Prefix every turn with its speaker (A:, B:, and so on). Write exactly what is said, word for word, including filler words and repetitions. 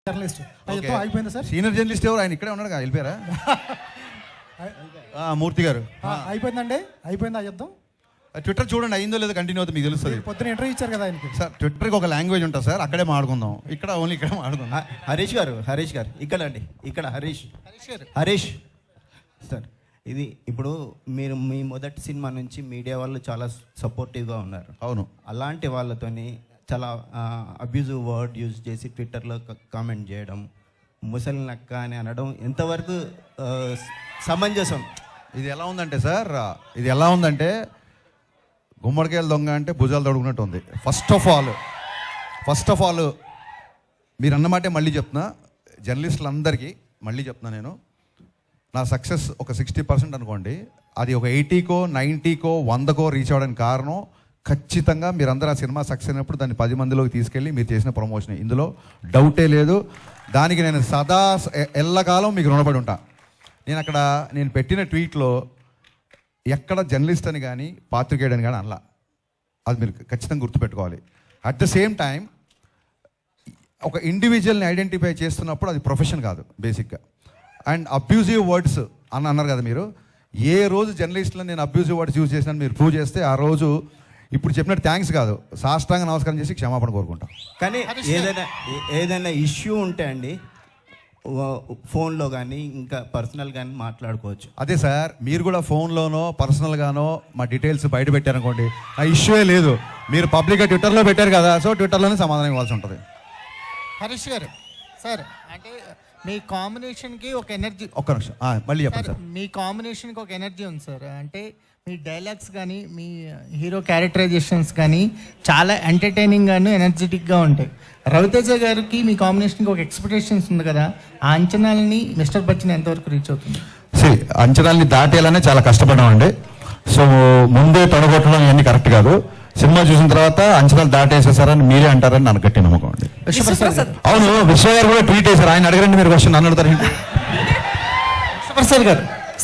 A: Journalist అయిపోయిందా sir?
B: Senior journalist ఎవరు? ఆయన ఇక్కడే ఉన్నాడు కదా, వెళ్ళిపోయారా? మూర్తి గారు
A: అయిపోయిందండి, అయిపోయిందా యుద్ధం?
B: ట్విట్టర్ చూడండి, అయిందో లేదో కంటిన్యూ అవుతుంది, మీకు తెలుస్తుంది.
A: పొద్దున ఇంటర్వ్యూ ఇచ్చారు కదా ఆయనకి.
B: సార్ ట్విట్టర్కి ఒక లాంగ్వేజ్ ఉంటుంది సార్, అక్కడే మాట్లాడుకుందాం, ఇక్కడ ఓన్లీ ఇక్కడ మాట్లాడుకుందాం.
C: హరీష్ గారు హరీష్ గారు ఇక్కడ అండి, ఇక్కడ హరీష్
A: హరీష్ గారు
C: హరీష్ సార్, ఇది ఇప్పుడు మీరు మీ మొదటి సినిమా నుంచి మీడియా వాళ్ళు చాలా సపోర్టివ్గా ఉన్నారు.
B: అవును,
C: అలాంటి వాళ్ళతోని చాలా అబ్యూజివ్ వర్డ్ యూజ్ చేసి ట్విట్టర్లో కామెంట్ చేయడం, ముసలి నక్క అని అనడం ఎంతవరకు సమంజసం?
B: ఇది ఎలా ఉందంటే సార్, ఇది ఎలా ఉందంటే గుమ్మడికాయలు దొంగ అంటే భుజాలు తొడుగునట్టు ఉంది. First of all first of all మీరు అన్నమాటే మళ్ళీ చెప్తున్నా, జర్నలిస్టులందరికీ మళ్ళీ చెప్తున్నా, నేను నా సక్సెస్ ఒక సిక్స్టీ పర్సెంట్ అనుకోండి, అది ఒక ఎయిటీకో నైంటీకో వందకో రీచ్ అవ్వడానికి కారణం ఖచ్చితంగా మీరందరూ ఆ సినిమా సక్సెస్ అయినప్పుడు దాన్ని పది మందిలోకి తీసుకెళ్ళి మీరు చేసిన ప్రమోషన్, ఇందులో డౌటే లేదు. దానికి నేను సదా ఎల్లకాలం మీకు రుణపడి ఉంటా. నేను అక్కడ నేను పెట్టిన ట్వీట్లో ఎక్కడ జర్నలిస్ట్ అని కానీ పాత్రికేయుడని కానీ అనలా, అది మీరు ఖచ్చితంగా గుర్తుపెట్టుకోవాలి. అట్ ద సేమ్ టైం ఒక ఇండివిజువల్ని ఐడెంటిఫై చేస్తున్నప్పుడు అది ప్రొఫెషన్ కాదు బేసిక్గా. అండ్ అబ్యూజివ్ వర్డ్స్ అని అన్నారు కదా మీరు, ఏ రోజు జర్నలిస్టులో నేను అబ్యూజివ్ వర్డ్స్ యూజ్ చేసినా మీరు ప్రూవ్ చేస్తే ఆ రోజు ఇప్పుడు చెప్పినట్టు థ్యాంక్స్ కాదు, సాష్టాంగ నమస్కారం చేసి క్షమాపణ కోరుకుంటాం.
C: కానీ ఏదైనా ఏదైనా ఇష్యూ ఉంటే అండి ఫోన్లో కానీ ఇంకా పర్సనల్ కానీ మాట్లాడుకోవచ్చు.
B: అదే సార్, మీరు కూడా ఫోన్లోనో పర్సనల్గానో మా డీటెయిల్స్ బయట పెట్టారనుకోండి, ఆ ఇష్యూయే లేదు. మీరు పబ్లిక్గా ట్విట్టర్లో పెట్టారు కదా, సో ట్విట్టర్లోనే సమాధానం ఇవ్వాల్సి ఉంటుంది.
A: హరీష్ గారు సార్, అంటే మీ కాంబినేషన్కి ఒక ఎనర్జీ,
B: ఒక్క నిమిషం మళ్ళీ చెప్పండి సార్.
A: మీ కాంబినేషన్కి ఒక ఎనర్జీ ఉంది సార్, అంటే మీ డైలాగ్స్ కానీ మీ హీరో క్యారెక్టరైజేషన్స్ కానీ చాలా ఎంటర్టైనింగ్గాను ఎనర్జెటిక్గా ఉంటాయి. రవితేజ గారికి మీ కాంబినేషన్కి ఒక ఎక్స్పెక్టేషన్స్ ఉంది కదా, ఆ అంచనాలని మిస్టర్ బచ్చన్ ఎంతవరకు రీచ్ అవుతుంది?
B: సరే, అంచనాలని దాటేయాలనే చాలా కష్టపడ్డామండి. సో ముందే తొడగొట్టడం ఇవన్నీ కరెక్ట్ కాదు. సినిమా చూసిన తర్వాత అంచనాలు దాటేసేసారని మీరే అంటారని నాకు గట్టి నమ్మకం అండి. అవును, విశ్వ గారు కూడా ట్వీట్ చేశారు, ఆయన అడగరండి మీరు క్వశ్చన్, నన్ను అడుగుతారు.
A: విశ్వప్రసాద్ గారు